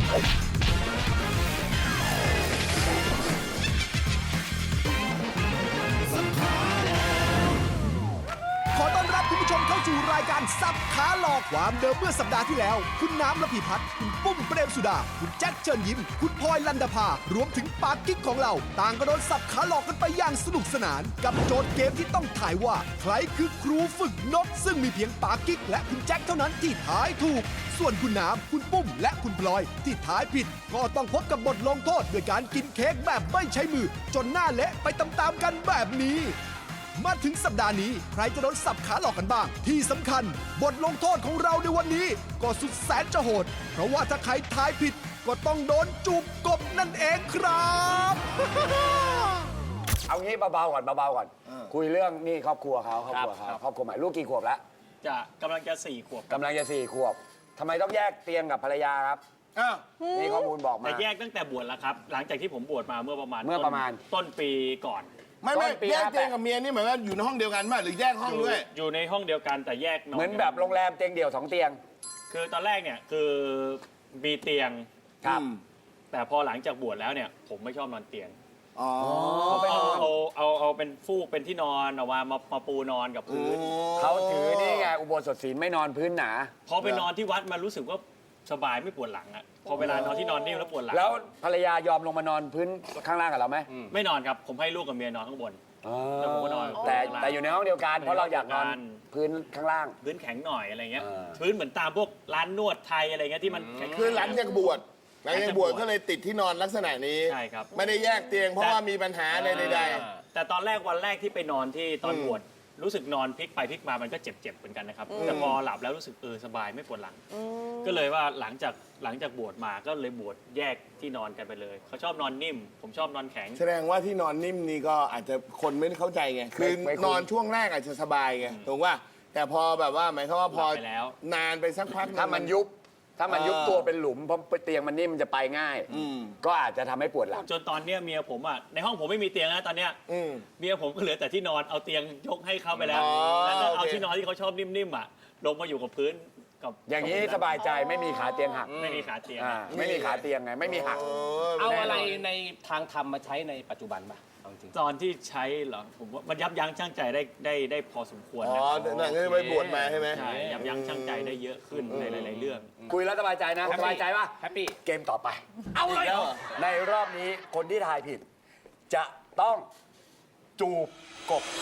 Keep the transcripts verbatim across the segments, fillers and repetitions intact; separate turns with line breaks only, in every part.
ขอต้อนรับคุณผู้ชมเข้าสู่รายการสับขาหลอกความเดิมเมื่อสัปดาห์ที่แล้ว คุณน้ำระพีพัฒน์คุณปุ้มเปรมสุดา คุณแจ็คเชิญยิ้ม คุณพลอยลันดาภารวมถึงปากกิ๊กของเรา ต่างก็โดนสับขาหลอกกันไปอย่างสนุกสนาน กับโจทย์เกมที่ต้องถ่ายว่า ใครคือครูฝึกนก ซึ่งมีเพียงปากกิ๊กและคุณแจ็คเท่านั้นที่ถ่ายถูก ส่วนคุณน้ำคุณปุ้มและคุณพลอยที่ถ่ายผิด ก็ต้องพบกับบทลงโทษด้วยการกินเค้กแบบไม่ใช้มือ จนหน้าเละไปตามๆกันแบบนี้ มาถึงสัปดาห์นี้ใครจะโดนสับขาหลอกกันบ้าง ที่สำคัญ บทลงโทษของเราในวันนี้ ก็สุดแสนจะโหด เพราะว่าถ้าใครทายผิด ก็ต้องโดนจูบกบนั่นเองครับ
เอางี้เบาๆก่อนเบาๆก่อนคุยเรื่องนี่ครอบครัวเขาครอบครัวเขาครอบครัวใหม่ลูกกี่ขวบแล้ว
จะกำลังจะสี่ขวบ
กำลังจะสี่ขวบทำไมต้องแยกเตียงกับภรรยาครับนี่ข้อมูลบอกมา
แต่แยกตั้งแต่บวชแล้วครับ หลังจากที่ผมบวชมาเมื่อประมาณ
เมื่อประมาณ
ต้นปีก่อน
ไม่ไม่
ต้นปี
แยก
ห้าแปด
เตียงกับเมียนี่เหมือนว่าอยู่ในห้องเดียวกันป่ะหรือแยกห้องด้วย
อยู่ในห้องเดียวกันแต่แยกนอน
เหมือนแบบโรงแรมเตียงเดี่ยวสองเตียง
คือตอนแรกเนี่ยคือมีเตียง
ครับ
แต่พอหลังจากบวชแล้วเนี่ยผมไม่ชอบนอนเตียง
อ๋อ
เอาเอาเอาเอาเป็นฟูกเป็นที่นอนเอามามามาปูนอนกับพื้น
เขาถือนี่ไงอุโบสถศีลไม่นอนพื้นหนา
พอไปนอนที่วัดมันรู้สึกว่าสบายไม่ปวดหลังอะพอเวลานอนที่นอนนิ่มแล้วปวดหลัง
แล้วภรรยายอมลงมานอนพื้นข้างล่างกับเราไหม
ไม่นอนครับผมให้ลูกกับเมียนอนข้างบน แล้วผมก็นอน
แต่แต่อยู่ในห้องเดียวกันเพราะเราอยากนอน
ในห้องเดียวกัน
พื้นข้างล่าง
พื้นแข็งหน่อยอะไรเงี้ย
เออ
พื้นเหมือนตามพวกร้านนวดไทยอะไรเงี้ยที่มันแข็งๆ
คือหลังจากบวชหลังจากบวชก็เลยติดที่นอนลักษณะนี้
ใช่ครับ
ไม่ได้แยกเตียงเพราะว่ามีปัญหาอะไรใด
แต่ตอนแรกวันแรกที่ไปนอนที่ตอนบวชรู้สึกนอนพลิกไปพลิกมามันก็เจ็บๆเหมือนกันนะครับแต่พอหลับแล้วรู้สึกเออสบายไม่ปวดหลัง ก็เลยว่าหลังจากหลังจากบวชมาก็เลยบวชแยกที่นอนกันไปเลยเขาชอบนอนนิ่ม ผมชอบนอนแข็ง
ๆแสดงว่าที่นอนนิ่มนี่ก็อาจจะคนไม่เข้าใจไงคือ
ไม่คุ้น
นอนช่วงแรกอาจจะสบายไงถูกป่ะแต่พอแบบว่าหมายความว่าพอ
หลับไปแล้ว
นานไปสักพักหง
ถ้ามันยุบถ้ามันยุบ
เออ
ตัวเป็นหลุมเพราะเตียงมันนิ่มมันจะไปง่าย
อืม
ก็อาจจะทำให้ปวดหลัง
จนตอนเนี้ยเมียผมอ่ะในห้องผมไม่มีเตียงนะตอนเนี้ย
อืม
เมียผมก็เหลือแต่ที่นอนเอาเตียงยกให้เขาไปแล้ว
อ๋อ
แล้วก็เอา
โอเค
ที่นอนที่เขาชอบนิ่มๆอ่ะลงมาอยู่กับพื้นกับ
อย่างนี้สบายใจไม่มีขาเตียงหัก
ไม่มีขาเตียง
อ่าไม่มีขาเตียงไงไม่มีหัก
เอาอะไรในทางธรรมมาใช้ในปัจจุบันป่ะเอาจริง
ตอนที่ใช้เหรอผมว่ามันยับยั้งชั่งใจได้ได้ได้พอสมควร
อ๋อ
นะ
นั่นก็ไปบวชมาใช่ไหม
ใช่ยับยั้งชั่งใจได้เยอะขึ้นในหลายๆเรื่อง
คุยแล้วสบายใจนะสบายใจป่ะ
แฮปปี้
เกมต่อไป
เอาเลยเหรอ
ในรอบนี้คนที่ทายผิด จะต้องจูบกบ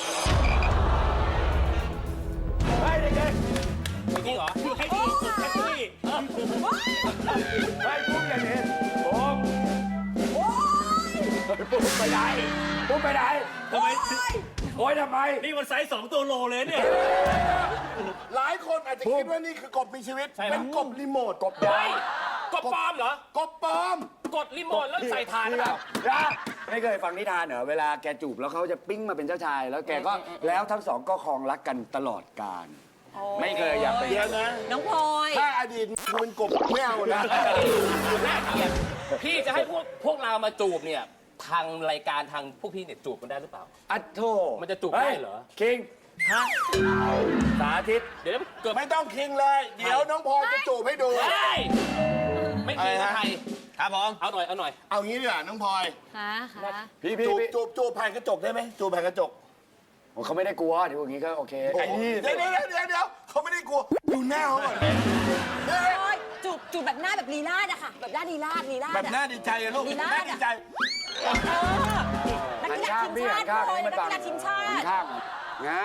เฮ้ยเด็ก
จริงเหรอ
ให้ดีสุดแฮปปี้
ๆเฮ้ยปุ๊บอย่างนี้ปุ๊บปุ๊บไปไหนปุ๊บไปไหน
ทำไม
โอ๊ยทำไม
นี่มันไซส์สองตัวโลเลยเนี่ย
หลายคนอาจจะคิดว่านี่คือกบมีชีวิตเป็นกบรีโมท
กบยาว
กดปลอมเหรอ
กบปลอม
กดรีโมทแล้วใส่ทานหรือเปล่า
นะไม่เคยฟังนิทานเหรอเวลาแกจูบแล้วเขาจะปิ้งมาเป็นเจ้าชาย แล้วแกก็แล้วทั้งสองก็ครองรักกันตลอดกาลไม่เคยอยากไป
เดี๋ยวนะ
น้องพลอย
ถ้าอดีตคุณเป็นกบไม่เอานะ
น่าเกลียดพี่จะให้พวกพวกเรามาจูบเนี่ยทางรายการทางพวกพี่เนี่ยจูบกันได้หรือเปล่า
อัดโท
มันจะจูบได้เหรอ
คิงฮะสาธิต
เดี๋ยวเกิด
ไม่ต้องคิงเลย เดี๋ยวน้องพลอยจะจูบให้ดู
เฮ้ยไม่คิดว่าใคร
ครับผม
เอาหน่อยเอาหน่อย
เอางี้ดีกว่าน้องพลอย
ค่ะค่ะ
พี่พี่
จูบ
พี่
จูบจูบผ่านกระจกได้ไหมจูบผ่านกระจก
โอ้เขาไม่ได้กลัวเดี๋ยวอย่างนี้ก็โอเคไอ้นี่
เดี๋ยวเดี๋ยวเดี๋ยวเดี๋ยวเขาไม่ได้กลัวดูหน้าเขาก่อน
พลอยจูบจูบแบบหน้าแบบลีลาดอะค่ะ แบบหน้าลีลาดลีลาด
แบบ
อะ
หน้าดีใจอะลูก
ดีมาก
หน้าดีใจ
เออนัก
หัน
กีฬา
ข้าง
ทีม
พี่
ชา
หั
ติ
นข้าง
พลอย
ให้
นั
มัน
ก
บัง
กีฬาทีมชา
หัน
ติ
ข้างง่าย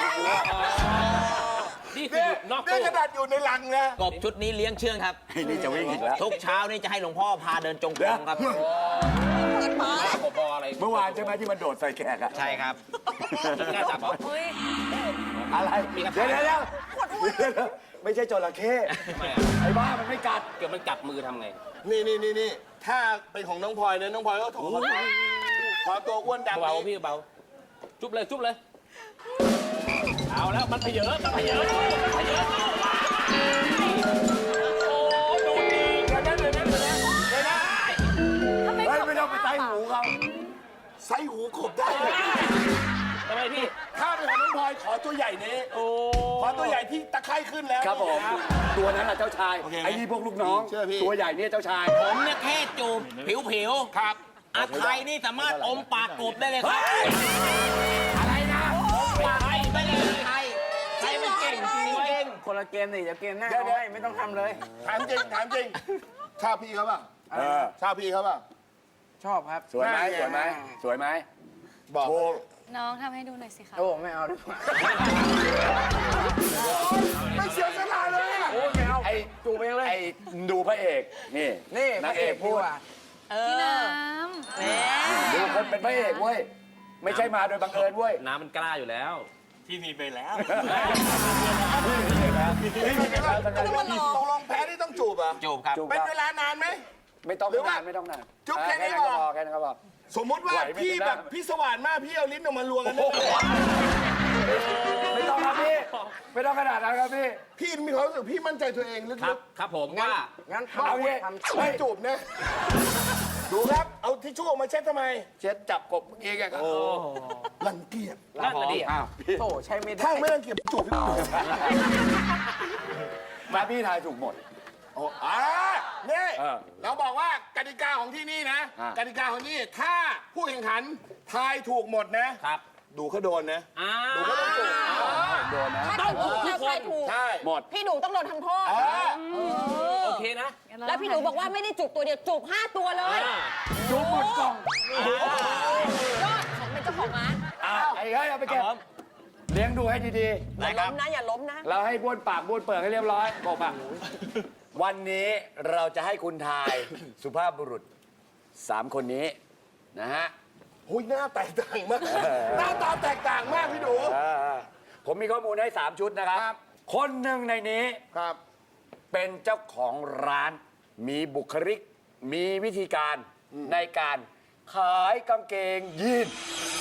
นี่คือ
เนี่ย
อยู่นอก
เนี่ย
ตู้
ขนาดอยู่ในลังนะ
กบชุดนี้เลี้ยงเชื่องครับ
ไอ้นี่จะวิ่งอีกแล้ว
ทุกเช้านี่จะให้หลวงพ่อพาเดินจงกรมครับ
เปิดมา
กบบออะไร
เมื่อวานใช่ไหมที่มันโดดใส่แขกอะ
ใช่ครับ
น่าจับเหรอ
เฮ้ย
อะไรเดี๋ยวเดี๋ยวเดี๋ยวเดี๋ยวไม่ใช่จระเข้
ไม่อะ
ไอ้บ้ามันไม่กัด
เกิดมันจับมือทำไง
นี่นี่นี่นี่ถ้าเป็นของน้องพลอยนะน้องพลอยก็ถอดขอตัวอ้วนดำ
เบา
นี่
พี่เบาจุ๊บเลยจุ๊บเลย เอาแล้วมันเพเยอะมันเพเยอะมันเพเยอะโอ้ดูดี
เดี๋ยวนะเดี๋ยวนะเดี๋ยวนะเดี๋ยวนะ
ทำไม
เฮ้ยไม่ต้องไปใส่หูเขา
ใส่หูกบได้เลย
ทำไมพี่
ถ้าเป็นของน้องพลอยขอตัวใหญ่นี้ขอตัวใหญ่ที่ตะไคร่ขึ้นแล้ว
ครับผมตัวนั้นแหละเจ้าชาย
โอเคไหม
ไอ้นี่พวกลูกน้อง
เชื่อพี่
ตัวใหญ่เนี่ยเจ้าชาย
ผมเนี่ยแค่จูบผิวผิว
ครับ
ๆอาไทยนี่สามารถอมปากกบได้เลยครับ
อะไรนะ
ปากไปเลยไทยไทยมันเก่งจริง
จริงเหรอ
เก่งคนละเกมนี่เดี๋ยวเกมหน้าเอาให้ไม่ต้องทำเลย
ถามจริงถามจริงชอบพี่เขาป่ะ
เออ
ชอบพี่เขาป่ะ
ชอบครับ
สวยไหม
น่าเกลี
ส
ย
ว
ด
ยไหมสวยไหม
บอก
โอ้
น้องทำให้ดูหน่อยสิคะ
โอ้ไม่เอาดีกว่า
ไม่เสียสละเลยอะ
โอ้ไม่เอา
ไอ้
จูบเองเลย
ไอ้ดูพระเอกนี่
นี่
นางเอกพูด
เอ
พี่น้
อ
ำ
แหม
ดูคนเป็นพระเอกเว้ยไม่ใช่มาโดยบังเอิญเว้ย
น้ำมันกล้าอยู่แล้ว
ที่มีไปแล้ว
ตกลงแพ้ที่ต้องจูบอ่ะ
จูบครับ
จูบ
เป็นเวลานานไหม
ไม่ต้อง
หรือว่า
นานไม่ต้องนาน
จุ๊บแค่นี้
เออ
พอ
ก็พอแค่นั้นก็พอ
สมมติว่า
ไหวไหม
พี่
จะได้
แบบพี่สว่านมากพี่เอาลิ้นออกมาลวงกันได้ไหม
ไม่ต้องครับพี่ไม่ต้องขนาดนั้นครับพี่
พี่มีความรู้สึกพี่มั่นใจตัวเองลึ
ครั
ก
บ ครับผมว่า
งั้น
เอางี้
ทำ
ๆไม่จูบนะดูครับเอาทิชชู่ออกมาเช็ดทำไม
เช็ดจับกบเองอะครับ
รังเกียจ
นั่นน่ะดิ
อ้าวพี่
โถใช้ไม่ได้
ถ้าไม่รังเกียจจูบพี่
มาพี่ทายถูกหมด
โอ้อ่านี่
เออ
เราบอกว่ากติกาของที่นี่นะ
อ่ะ
กติกาของที่นี่ถ้าผู้แข่งขันทายถูกหมดนะ
ครับ
ดูเขาโดนนะ
อ้า
ดูเขาต้องจูบ
โดนนะ
ถ้าถูกถ้าใครถูก
ใช่
หมด
พี่หนูต้องโดนทำโทษ
อ่า
โอเคนะ
แล้วพี่หนูบอกว่าไม่ได้จูบตัวเดียวจูบห้าตัวเลย
จูบหมดกล่อง
ยอดผมเป็นเจ้าของร้าน
อ่ะไอ้เฮ้ยเอาไปเก็บเลี้ยงดูให้ดี
อย่าล้มนะอย่าล้มนะ
ๆเราให้บ้วนปากบ้วนเปิดให้เรียบร้อยกบอ่ะวันนี้เราจะให้คุณทายสุภาพบุรุษสามคนนี้นะฮะ
หุยหน้าแตกต่างมาก หน้าตาแตกต่างมากพี่ดู
เออผมมีข้อมูลให้ สาม ชุดนะครับ
ครับ
คนหนึ่งในนี้
ครับ
เป็นเจ้าของร้าน มีบุคลิก มีวิธีการในการขายกางเกงยีน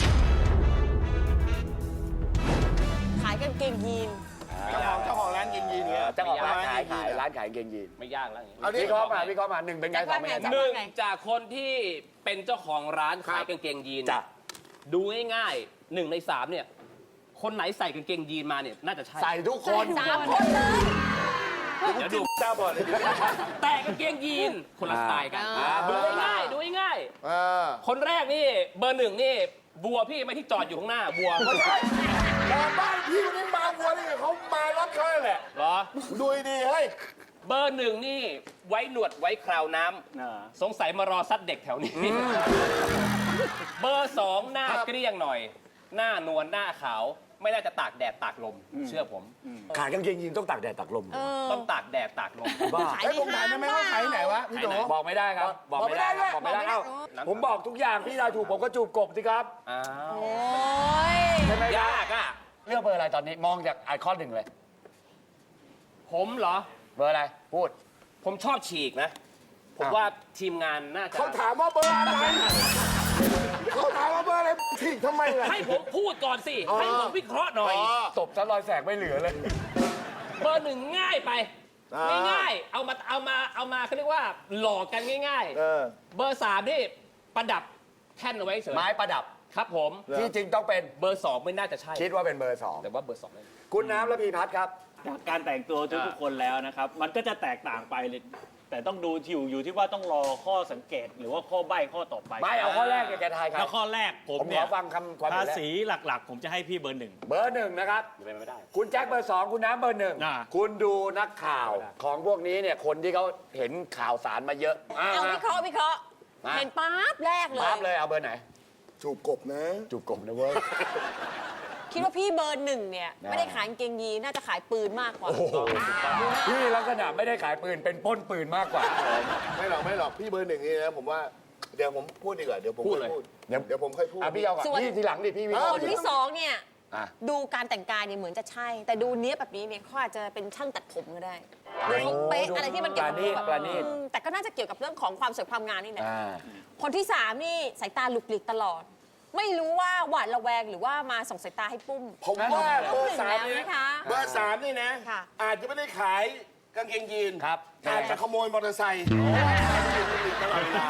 ขายกางเกงยีน
เจ้าของเจ้าของร้านยินยินเนี่ย
เจ้าของร้านขาย
ไม่ยาก
ขายร้านขายกางเกงยีน
ไม่ยากแล้วอย่างนี้
เอาดิ
วิเคราะห์มาวิเคราะห์มาหนึ่งเป็นไงสองเป็นไง
จะ
หนึ่ง
ว่าไง
จากคนที่เป็นเจ้าของร้านขาย
ครับ
กางเกงยีน
จ้ะ
ดูง่ายๆหนึ่งในสามเนี่ย คนไหนใส่กางเกงยีนมาเนี่ยน่าจะใช่
ใส่ทุกคน
สามคนเลย
เดี๋ยวดู
เจ้าบอดเลย
แต่กางเกงยีนคนละสไตล์กัน
อ่า
ดูง่ายๆดูง่าย
อ่า
ๆคนแรกนี่เบอร์หนึ่งนี่บัวพี่ไม่ที่จอดอยู่ข้างหน้าบัว
ไม่ใช่แต่บ้านพี่คนนี้มาวัวนี่ไงเขามารถเขาแหละ
เหรอ
ดูดีๆเฮ้ย
เบอร์หนึ่งนี่ไว้หนวดไว้คราวน้ำสงสัยมารอซัดเด็กแถวนี้ เบอร์สองหน้า
ครับ
เกลี้ยงหน่อย หน้านวลหน้าขาว ไม่น่าจะตากแดดตากลม เชื่อผม
ขายกางเกงยีนต้องตากแดดตากลม
ต้องตากแดดตากลม
บ้า
ขาย
ไอ้
ใน
ผมถามได้ไหมว่าขายไหนวะพี่โด
ขายไหน
บอกไม่ได้ครับ บอกไม่ได้ครับ
บบ อ
อก ก
ไม่
ไม่
ได้
ได้เอ้าผมบอกทุกอย่างพี่ทายถูกผมก็จูบกบสิครับ
อ้าว
โอ้ย
ใช่ไหมครับ
ยากอ่ะ
เลือกเบอร์อะไรตอนนี้มองจากไอคอนหนึ่งเลย
ผมเหรอ
เบอร์อะไรพูด
ผมชอบฉีกนะ ผม
อ้าว
ว่าทีมงานน่าจะ
เขาถามว่าเบอร์อะไรเขาถามว่าเบอร์อะไรผิดทำไมล่ะ
ให้ผมพูดก่อนสิ ให้ผมวิเคราะห์หน่อย
ตบซะรอยแสกไม่เหลือเลย
เบอร์หนึ่งง่ายไป
อ่า
ง่ายๆเอามาเอามาเอามาเขาเรียกว่าหลอกกันง่าย
เออ
ๆ เบอร์สามนี่ประดับแท่นเอาไว้เฉย
ไม้ประดับ
ครับผม
ที่จริงต้องเป็น
เบอร์สองไม่น่าจะใช่
คิดว่าเป็นเบอร์สอง
แต่ว่าเบอร์สองไม่
คุณน้ำและพีพัฒน์ครับ
จากการแต่งตัวทุกๆคนแล้วนะครับ มันก็จะแตกต่างไปเลยแต่ต้องดูอยู่อยู่ที่ว่าต้องรอข้อสังเกตหรือว่าข้อใบ้ข้อต่อไป
ไม่เอาข้อแรกแกทายครั
แล้
บ
วข้อแรกผม
ผมข
เนี่
อย ฟังคำความ
ภา
เห็นแรก
ษีหลักๆ ผมจะให้พี่เบอร์หนึ่ง
เบอร์หนึ่งนะครับ
เป็นไปไม่ได้
คุณแจ็คเบอร์สองคุณน้ำเบอร์หนึ่ง
อ่า
คุณดูนักข่าวของพวกนี้เนี่ยคนที่เขาเห็นข่าวสารมาเยอะอ่
เอาวิเคราะห์วิเคราะห์
มา
เห็นปั๊บแรกเลย
ปั๊บเลยเอาเบอร์ไหน
จูบกบนะ
จูบกบนะเว้ย
คิดว่าพี่เบอร์หนึ่งเนี่ย
นะ
ไม่ได้ขายกางเกงยีนน่าจะขายปืนมากกว่า
พี่ลักษณะไม่ได้ขายปืนเป็นปล้นปืนมากกว่า
ไม่หรอกไม่หรอกพี่เบอร์หนึ่งนี่นะผมว่าเดี๋ยวผมพูดดีกว่าเดี๋ยวผม
พูด
ค่อ
เลย
พูด
เดี๋ยว
เดี๋ยวผมค่อยพูด
อ่ะพี่เอาก่อน
ส่วน
พี่ทีหลังดิพี่วิเคราะ
ค
ห์
นที่สองเนี่ย
อ่ะ
ดูการแต่งกายเนี่ยเหมือนจะใช่ แต่ดูเนี้ยบแบบนี้เนี่ยเขาอาจจะเป็นช่างตัดผมก็ได้หรือเขาเป๊ะอะไรที่มันเกี่ยวกับ
ปราณีต
แบบ
ปราณีต
อืมแต่ก็น่าจะเกี่ยวกับเรื่องของความสวยความงามนี่แหละ
อ่า
คนที่สามนี่สายตาหลุกหลีกตลอด ไม่รู้ว่าหวาดระแวงหรือว่ามาส่งสายตาให้ปุ้ม
ผมว่าเบอร์สาม
หนึ่งแล้ว
นี่
นะคะ
เบอร์สามนี่นะ
ค่ะ
อาจจะไม่ได้ขายกางเกงยีน
ครับ
อาจจะขโมยมอเตอร์ไซค์ ตลอดเวลาม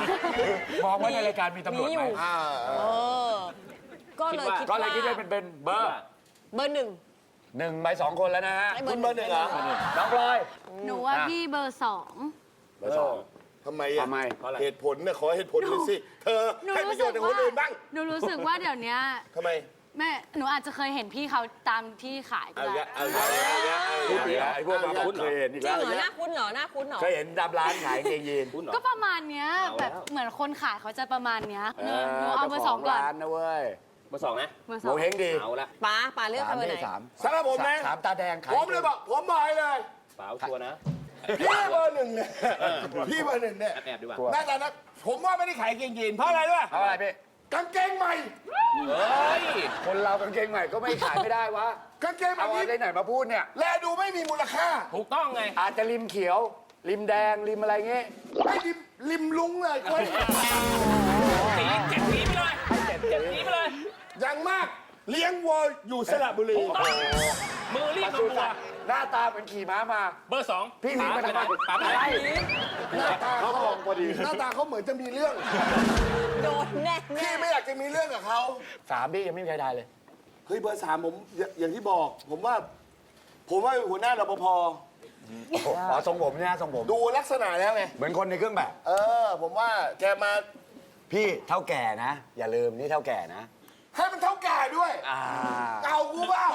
องว่าในรายการมีตำรวจไหม
มีอยู่
อ่า
เออ ก็เลยคิด
ก็
ว่า
เลยคิดว่าเป็นเป็นเบอร์
เบอร์หนึ่ง
หนึ่งใบสองคนแล้วนะฮะ
ให้เบอ
คุณ
ร์ห
เบอ
นึ่
ร์
ง
หนึ่งเหรอ
น้องพลอย
หนูว่า
อ่ะ
พี่เบอร์สอง
เบอร์สอง
ทำไมอ่ะ
ทำไม
เหตุผลเนี่ยขอเหตุผลหน่อยสิ เธอ
หนู
ให้ประ
รู้
โย
สึ
ช
ก
น์กับค
ว่าน
อื่นบ้าง
หนูรู้สึกว่าเดี๋ยวเนี้ย
ทำไม
แม่หนูอาจจะเคยเห็นพี่เขาตามที่ขายก็
เอา
ได้
ละเอาละเอาละเอา
พูด
ละ
ดีไอ้พวกมาพูดเคยเห็นอีก
จริ
แล้
ง
ว
เหรอหน้าคุ้นเหรอหน้าคุ้นเหรอ
เคยเห็นตามร้านขายกางเกงยีน
ก็ประมาณเนี้ยแบบเหมือนคนขายเขาจะประมาณเนี้ยหนูหนูเอาเบอร์สองก่อน
ร้านนะเว้ย
เบอร์สองนะ
เบอร์ส
โม
อง
เฮงดี
เอาละ
ป๋าป๋าเลือกใคร
สาม
เบอร์ไหน
นี่สาม
สำหรับผมนะ
สามตาแดงขาย
ผมเลยบอกผมบอกให้เลย
เปล่าชัวร์นะ
พี่เบอร์หนึ่งเนี่ยพี่เบอร์หนึ่งเนี่ย
แอบแอบดีกว่า
หน้าตานะผมว่าไม่ได้ขายกางเกงยีนเพราะอะไรรู้ป่ะ
เอาอะไรพี่
กางเกงใหม่
เฮ้ย
คนเรากางเกงใหม่ก็ไม่ขายไม่ได้วะ
กางเกงแบ
เอา
บ
อะไร
นี้
ไหนมาพูดเนี่ย
แลดูไม่มีมูลค่า
ถูกต้องไง
อาจจะริมเขียว ริมแดง ริมอะไรเงี้ย
ไม่ริมริมลุงเลยเว้ย
สีเจ็ดสีไปเลยเจ็ดเจ็ดสีไปเลย
อย่างมากเลี้ยงวัวอยู่สระบุรี
มือรีบ
ป
มา
ศุ
บัว
สัตว์หน้าตาเหมือนขี่ม้ามา
เบอร์สอง
พี่ลิงมาทำไม
ป๋าไปไหน
หน้าตาเขามองพอดีหน้าตาเขาเหมือนจะมีเรื่อง
โดนแน่แน่
พี่ไม่อยากจะมีเรื่องกับเขา
สามพี่ยังไม่มีใครได้เลย
เฮ้ยเบอร์สามผมอย่าอย่างที่บอก ผมว่า ผมว่าหัวหน้ารปภ
อ๋อทรงผมเนี่ยทรงผม
ดูลักษณะแล้วไง
เหมือนคนในเครื่องแบบ
เออ ผมว่าแกมา
พี่เท่าแก่นะ อย่าลืมนี่เท่าแก่นะ
ให้มันเท่าแก่ด้วย
อ่า
เอากูเปล่า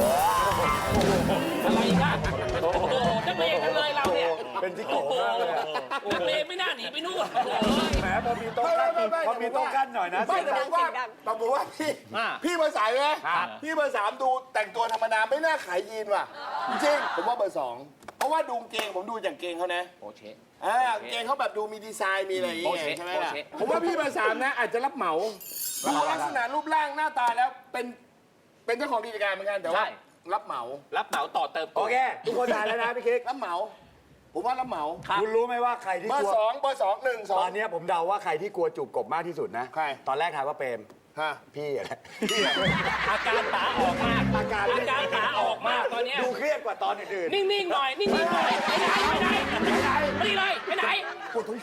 อะไรกันโอ้โหนักเลงกันเลยเราเนี่ย
เป็นที่โกงมากเลยอะ
นักเลงไม่น่าหนีไปนู่น
แหมพอมีโต๊ะกั้นพอมีโต๊ะกั้นหน่อยนะ
ไม่
เสียง
แต่
ดั
ผ
ง
มว่าแต่ผมว่าพี่ พี่เบอร์สามไหมพี่เบอร์สามดูแต่งตัวธรรมดาไม่น่าขายยีนว่ะ จริงๆผมว่าเบอร์สองเพราะว่าดูเกงผมดูจากเกงเขานะ
โอเช
อ่าเกงเขาแบบดูมีดีไซน์มีอะไรอย่างเงี้
โอย เค
ใช่ไหม
โอ
ล่ะ
เค
ผมว่าพี่เบอร์สามนะอาจจะรับเหมาดูลักษณะรูปร่างหน้าตาแล้วเป็นเป็นเจ้าของกิจการเหมือนกันแต่ว่ารับเหมา
รับเหมาต่อเติม
โอเค ทุกคนทานแล้วนะพี่คิก
รับเหมา ผมว่ารับเหมา
คุณรู้ไหมว่าใครที่
เบอก
ลัว
ร์สองเบอร์สองหนึ่งสอ
ต
ง
อนเนี้ยผมเดาว่าใครที่กลัวจูบกบมากที่สุดนะ
ใคร
ตอนแรกทายว่าเปรม
ฮะ
พี่อะไร
อาการป๋าออกมาก
อาการ
อาการป๋าออกมากตอนเนี้ย
ดูเครียดกว่าตอนอื่น
นิ่งๆหน่อย นิ่งๆหน่อยไปไหนไปไหนไปไหนไม่เลยไปไหนปวดท้อง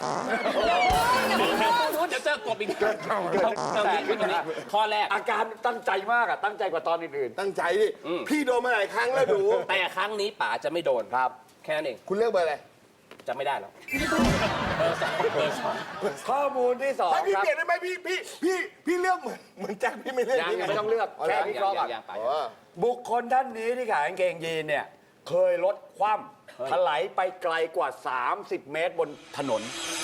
เดี๋ยวเจอกบอีกเอางี้พี่คนนี้ข้อแรก
ๆอาการตั้งใจมากอะตั้งใจกว่าตอนอื่น
ตั้งใจดิ พี่โดนมาหลายครั้งแล้วดู
แต่ครั้งนี้ป๋าจะไม่โดน
ๆครับ
แค่นั้นเอง
คุณเลือกเบอร์อะไร
จะไม่ได้หรอกเบอร์สองเบอร์สอง
ข้อมูลที่สอง
ให้พี่
ครับ
เปลี่ยนได้ไหมพี่พี่พี่พี่เลือกเหมือนเหมือนแจ็คพี่ไม่เลือก
ยัง
นี่
ยัง
ไม่ต้องเลือกแค่วิเคราะห์ก่อน
ยังป๋า
อ๋อ
บุคคลท่านนี้ที่ขายกางเกงยีนเนี่ย เคยลดคว่ำถลายไปไกลกว่า สามสิบ เมตรบนถนน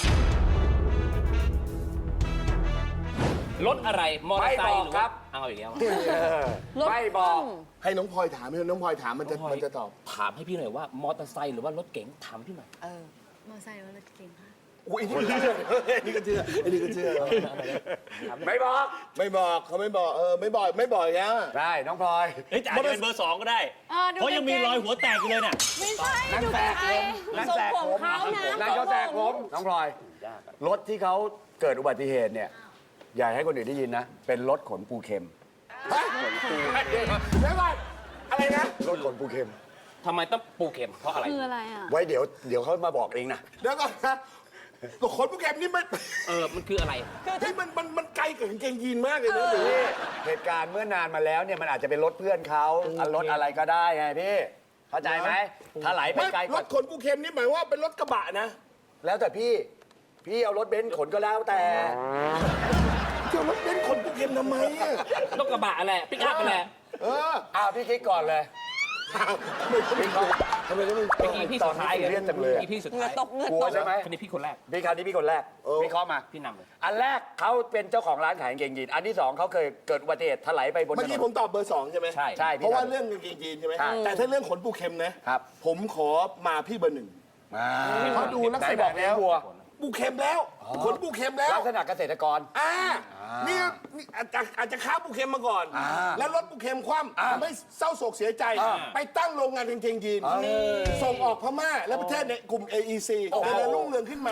รถอะไร มอเตอร์ไซ
ไม่
ค์
บอก
หรือ
ครั
ว่า
บ
เอาอีกแล้ว
รถ
ไม่บอก
ให้น้องพลอยถามให้น้องพลอยถามมันจะมันจะตอบ
ถามให้พี่หน่อยว่ามอเตอร์ไซค์หรือว่ารถเก๋งถามพี่หน่อย
เออ
มอไซค์ว่ารถเก่งค่ะ
อุ้ยนี่ก็เชื่อนี่ก็เชื่ออันนี้ก็เชื่อ
ไม่บอก
ไม่บอกเขาไม่บอกเออไม่บอกไม่บอกอีกแล้ว
ได้น้องพลอย
เฮ้ยแต่อาจจะเป็นเบอร์สองก็ได้
เออดู
เพราะยังมีรอยหัวแตกอยู่เลยน่ะ
ไม่ใช่
นั่น
ดู
แต
ไก
ก
ล
ผมนั่น
ทรง
แตก
ผ
ผม ม
เขานะ
นั่นก็แตกผมน้องพลอย รถที่เขาเกิดอุบัติเหตุเนี่ย อย่าให้คนอื่นได้ยินนะ เป็นรถขนปูเข็ม
ฮะเดี๋ยวก่อนอะไรนะ
รถขนปูเข็ม
ทำไมต้องปูเข็มเพราะอะไร
คืออะไรอ่ะ
ไว้เดี๋ยวเดี๋ยวเขามาบอกเองนะ
เดี๋ยวก่อนนะตัวขนโปรแกรมนี่มัน
เออ มันคืออะไร
เฮ้ยมันมันมันไกลกับกางเกงยีนมากเลยนะหรือ
พี่เหตุการณ์เมื่อนานมาแล้วเนี่ยมันอาจจะเป็นรถเพื่อนเขาอ่ะรถอะไรก็ได้ไงพี่ เข้าใจไหมถ้าไหลไป
ไม่
ไกลก
ร
ว่า
ถขนปูเข็มนี่หมายว่าเป็นรถกระบะนะ
แล้วแต่พี่ พี่เอารถเบนซ์ขนก็แล้วแต่
เจ้ารถเบนซ์ขนปูเข็มทำไมอะ
รถกระบะอะไรปิกอัพอะไร
เออ
อ้าวพี่คิดก่อนเลย
ไม่ต้องทำไมต้อง
เมื่อกี้พี่สุดท้าย
ตอนนี้ซีเรียสจังเลยอะ
มื่อกี้พี่สุด
เหงื่
ท้า
อย ตกเหงื่อก
ลัว
ตก
ใช่ไหม
คนนี้พี่คนแรก
พี่คราวนี้พี่คนแรกวิเคราะห์มา
พี่นำเลย
อันแรกเขาเป็นเจ้าของร้านขายกางเกงยีนอันที่สองเขาเคยเกิดอุบัติเหตุถลายไปบนถ
เมื่อน กี้
น
ผมตอบเบอร์สองใช่ไหม
ใช่
ใช่
เพราะว่าเรื่องกางเกงยีนใช่ไหม
ใช่
แต่ถ้าเรื่องขนปูเข็มนะครับ ผมขอมาพี่เบอร์หนึ่ง
อ่า
เพราะดูลักษณะ
ไหนบอกแล้ววัว
ปูเข็มแล้วขนปูเข็มแล้ว
ลักษณะเกษตรกร
อ่านี่นี่อาจจะอาจจะค้าปูเข็มมาก่อน
อ่า
แล้วรถปูเข็มคว่ำทำให้เศร้าโศกเสียใจ
อ่า
ไปตั้งโรงงานกางเกงยีนส่งออกพม่าและประเทศในกลุ่ม เอ อี ซี
โอ้โห
แต่รุ่งเรืองขึ้นมา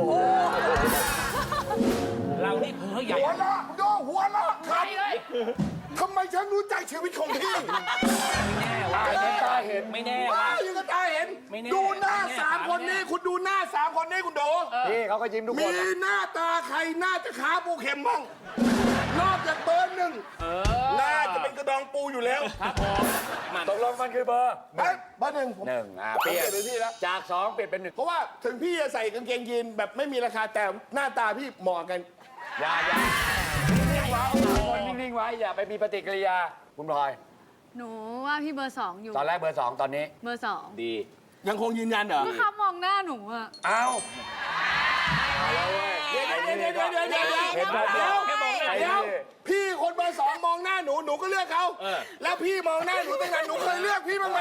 เรานี่เพ้อใหญ่
หัวเราะดูหัวเราะครับทำไมฉันรู้ใจชีวิตของพี่
แน่ว่า
ตาเห็นตาเห็น
ไม่แน่
ว้า
ว่า
วยังกระตาเห็น
ไม่แน่
ดูหน้า
ไม่แน่
สามคนนี้ คุณดูหน้าสามคนนี้คุณดู
พี่เขาก็ยิ้มทุกค
มี
นนะ
หน้าตาใครน่าจะขาปูเข็มบ้างนอกจากเบอร์หนึ่งน่าจะเป็นกระดองปูอยู่แล้ว
ครับผมมัน
ตกลงมันคือเบอร์
เอ้ยเบอร์หนึ่งผม
หนึ่งอ่ะ
ผม
เปลี่ย
เปลี่ยนเป็นพี่แล้ว
จากสองเปลี่ยนเป็นหนึ่ง
เพราะว่าถึงพี่จะใส่กางเกงยีนแบบไม่มีราคาแต่หน้าตาพี่เหมาะกัน
อย่าอย่านิ่งๆไว้สามคนนิ่งๆไว้อย่าไปมีปฏิกิริยาคุณพลอย
หนูว่าพี่เบอร์สองอยู่
ตอนแรกเบอร์สองตอนนี้
เบอร์สอง
ดี
ยังคงยืนยันเหรอ
ก็เขามองหน้าหนูอะ
เอา
เดี๋ยวเดี๋ยวเดี๋ยวเดี๋ยวเดี๋ยวเดี๋ยว
เห็นไหม
เดี๋ยว
แค่มองหน้า
เดี๋ยว
พี่คนเบอร์สองมองหน้าหนูหนูก็เลือกเขาแล้วพี่มองหน้าหนูตั้งนานหนูเคยเลือกพี่บ้างไหม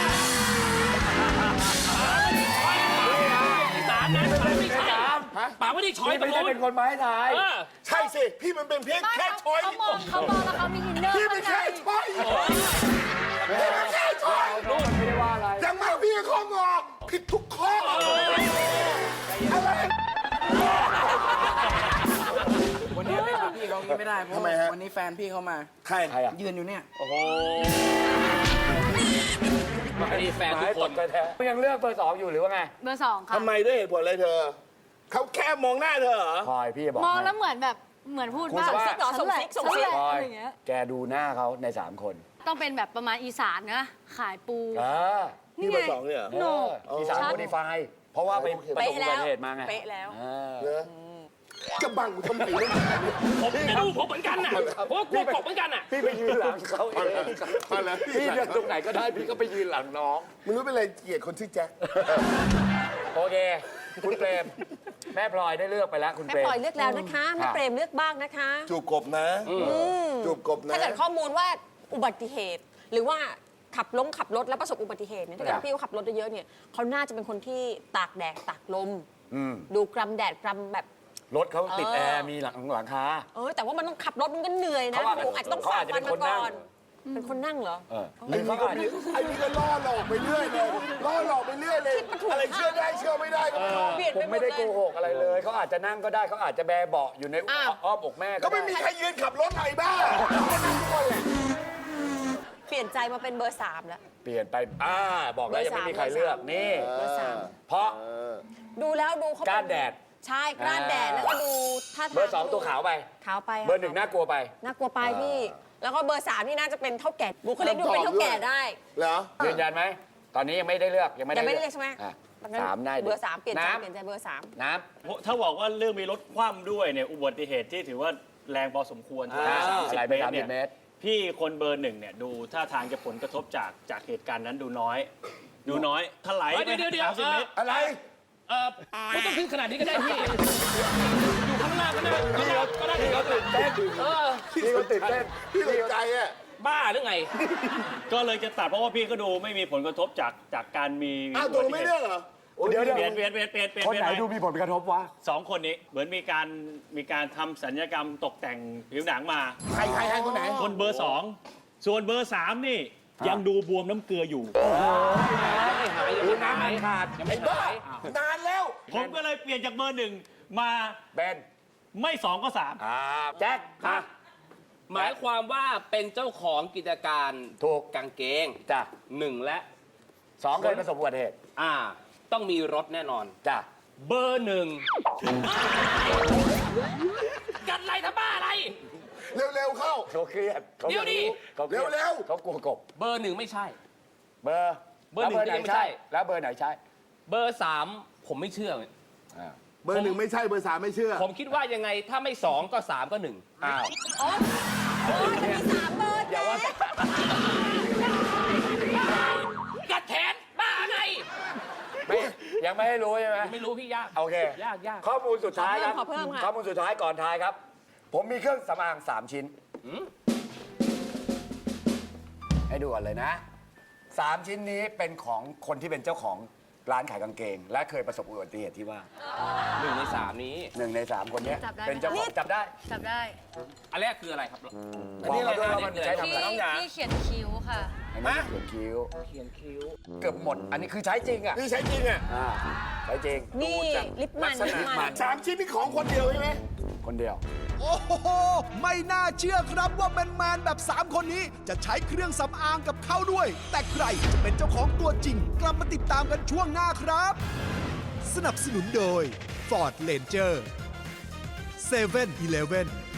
สามนะปากไม่ใช่ปากไม่ได้ช้อย
พี่
ตร
ไม่
ง
ได้
นู้
เป็น นคนไม้ทาย
เออ
ใช่สิพี่มันเป็นเพียงแค่ช้อย
เขามองเขามองแล้วเขามีอินเนอร์
พี่
ข้า
เป็น
งใน
แค่ช้อยพี่เป็นแค่ช้อย
โน้ตไม่ได้ว่าอะไร
ยังมาพี่ข้องอผิดทุกข้ออะไร
วันนี้ไม่ถามพี่เขางี้ไม่ได้ เพราะ
ทำไมฮะ
วันนี้แฟนพี่เขามา
ใคร
ใครอ่ะ
ยืนอยู่เนี่ย
อันนี้แฟนทุกคน
ตกใจแท้ยังเลือกเบอร์สองอยู่หรือว่าไง
เบอร์สองค่ะ
ทำไมด้วยเหตุผลอะไรเธอเขาแค่มองหน้าเธอเหรอ
พลอยพี่จะบอก
มอง
ให้
แล้วเหมือนแบบเหมือนพูด
คุณ
ว่า
สว่า
ซิกเหรอส่งซิกส่งซิก
ฉันแหละ
พลอย
อะไรอย่างเงี้ย
แกดูหน้าเขาในสามคน
ต้องเป็นแบบประมาณอีสานนะขายปู
อ่า
พี่เบอร์สองเนี่ยเหรอ
เอออีสานโมดิฟายเพราะว่าไปประสบ
เป๊ะ
อุ
แล้
บั
ว
ติเหตุมาไง
เป๊ะแล้ว
อ่า
เหรอจะบังกูทำไมวะ
ผมจะดูผมเหมือนกันน่ะผมก็กลัวกบเหมือนกันน่ะ
พี่ไปยืนหลังเขาเอง
มาแล้ว
พี่เลือกตรงไหนก็ได้พี่ก็ไปยืนหลังน้อง
มึงรู้เป็นอะไรเกลียดคนชื่อแจ็ค
โอเค คุณเปรม แม่พลอยได้เลือกไปแล้วคุณ
แม่
เปรม
ปล่อยเลือกแล้วนะคะแม่เปรมเลือกบ้างนะคะ
จูบกบนะจูบกบนะ
ถ้าเกิดข้อมูลว่าอุบัติเหตุ หรือว่าขับลงขับรถแล้วประสบอุบัติเหตุเนี่ยถ้าเกิดพี่เขาขับรถเยอะๆเนี่ยเขาน่าจะเป็นคนที่ตากแดดตากลม
อืม
ดูกรำแดดกรำแบบ
รถเขาติด
เออ
แอร์มีหลังหลังคา
เออแต่ว่ามันต้องขับรถมันก็เหนื่อยนะ
เขาอาจจะ
คงอาจจะต้อง
เขา
ฝ่า
อาจจะ
ฟั
เป็น น
มา
คนนั่
ก่
ง
อน เป็นคนนั่งเหรอ
เออห
ไอ้
รือ
นี่
เขา
ก็
อาจ
มี
จะ
ไอ้นี่ก็ล่อหลอกไปเรื่อยเลยล่อหลอกไปเรื่อยเลย อะไรเชื่อได้เชื่อไม่ได้ก็ไม่รู้
เปลี่ยน
ผ
ไป
ม
หม
ไม่
ด
ได้
เล
โก
ย
หกอะไรเลยเขาอาจจะนั่งก็ได้เขาอาจจะแบเบาะอยู่ใน
อ้าว
อ้อมอกแม่
ก็
ก็
ไม่
ได้
มีใครยืนขับรถไหนบ้างทุกคนแหละ
เปลี่ยนใจมาเป็นเบอร์สามแล้ว
เปลี่ยนไปอ่าบอกแล้วยังไม่มีใครเลือกนี่
เบอร์สาม
เพราะ
ดูแล้วดูเขา
ก้านแดด
ใช่กล้านแดดแล้วก็ดูท่าทาง
เบอร์สองตัวขาวไป
ขาวไป
เบอร์หนึ่งน่ากลัวไป
น่ากลัวไปพี่ แล้วก็เบอร์สามนี่น่าจะเป็นเท่าแก่บุคลิกดูเป็นเท่าแก่ได้
เหรอ
ยืนยันไหมตอนนี้ยังไม่ได้เลือกยังไม่
ยังไม่
ได้
ได้เรียกใช่ไหม
อ่ะ
งั้น
สามได้
เบอร์สามเปลี่ยนใจ
น้ำ
เปลี่ยนใจเบอร์สาม
น้
ถ้าบอกว่าเรื่องมีรถคว่ำด้วยเนี่ยอุบัติเหตุที่ถือว่าแรงพอสมควร
อ่า
สามสิบ
อะไรไป
เมตร
สามสิ
เนี่
บ
ย
เมตร
พี่คนเบอร์หนึ่งเนี่ยดูท่าทางจะผลกระทบจากจากเหตุการณ์นั้นดูน้อย ดูน้อยถลาย
เฮ้ย
ไป
เดี๋ยวเดี๋ยว
สามสิบ
เอ่อ
เมตร
อะไร
เออไม่ต้องขึ้นขนาดนี้ก็ได้พี่ อยู่ข้างล่างก็ได้ก็ได้ก็ได้
พี่เขาตื่นเต้น
เออ
พี่เขาตื่นเต้น
พี่ตกใจอ่ะ
บ้าหรือไง
ก็เลยจะตัดเพราะว่าพี่ก็ดูไม่มีผลกระทบจากจากการมี
อ้าวตัวไม่เลือกเหรอ
เดี๋ยวเดี๋ยว
เปลี่ยนเปลี่ยนเปลี่ยนเปลี่ยนเปลี่ยน
คนไหน
เปลี่ย
ดูมีผลกระทบวะ
สองคนนี้เหมือนมีการมีการทำสัญญกรรมตกแต่งผิวหนังมา
ใครใครใครคนไหน
คนเบอร์สองส่วนเบอร์สามนี่ยังดูบวมน้ำเกลืออยู่
ไม่หายยังไม่หายขาดยังไม่
ไอ้บ้า
หาย
นานแล้ว
ผมก็เลยเปลี่ยนจากเบอร์หนึ่งมา
แบน
ไม่สองก็สาม
อ่าแจ็คอ่ะ
หมายความว่าเป็นเจ้าของกิจการ
ถูก
กางเกง
จ้ะ
หนึ่งและ
สองเคยประสบอุบัติเหตุ
อ่า ต้องมีรถแน่นอน
จ้ะ
เบอร์หนึ่งกัดอะไรทำบ้าอะไร
เร็วๆเข้า
เขาเครียดขา
เดี๋ยวดิ
เขาครียด
เร็วๆ
เขากลัวกบ
เบอร์หนึ่งไม่ใช่
เบอร์
เบอร์หนึ่ง
แล้ว
ก็ยังไม่
ใช่
ใช่
แล้วเบอร์ไหนใช่
เบอร์สามผมไม่เชื่อ
อ่า
เบอร์หนึ่งไม่ใช่เบอร์สามไม่เชื่อ
ผมคิดว่ายังไงถ้าไม่สองก็สามก็หนึ่ง
อ้าว
อ๋ออ๋อจะมีสามเบอร์
อย่าว่าแต่
กัดแขนบ้าอะไร
ไม่ยังไม่ให้รู้ใช่ไหม
ไม่รู้พี่ยาก
โอเค
ยากยาก
ข้อมูลสุดท้ายครับ
ขอเพิ่มค่ะ
ข้อมูลสุดท้ายก่อนทายครับ ผมมีเครื่องสำอางสามชิ้น
อืม
ให้ดูก่อนเลยนะสามชิ้นนี้เป็นของคนที่เป็นเจ้าของร้านขายกางเกง และเคยประสบอุบัติเหตุที่ว่า
หนึ่งในสามนี้
หนึ่งในสามคนเนี้ย
จับได้ไหม
เป็นเจ้าของจับได้
จับได้
อันแรกคืออะไรครับ
บอกมาด้วยว่ามัน
อันนี้อะไร
ใช้ทำ
ที่
อะไร
ที่เขียนคิ้วค่ะ
อันนี้เขียนคิ้ว
เขียนคิ้ว
เกือบหมด อันนี้คือใช้จริงอ่ะ
นี่ใช้จริงอ่ะ
อ่าใช้จริง
นี่ลิปมันลิปมัน
สามชิ้นนี่ของคนเดียวใช่ไหม
คนเดียว
โอ้โห ไม่น่าเชื่อครับว่าแมนๆแบบ สาม คนนี้จะใช้เครื่องสำอางกับเขาด้วย แต่ใครจะเป็นเจ้าของตัวจริง กลับมาติดตามกันช่วงหน้าครับ สนับสนุนโดย Ford Ranger เซเว่นอีเลฟเว่น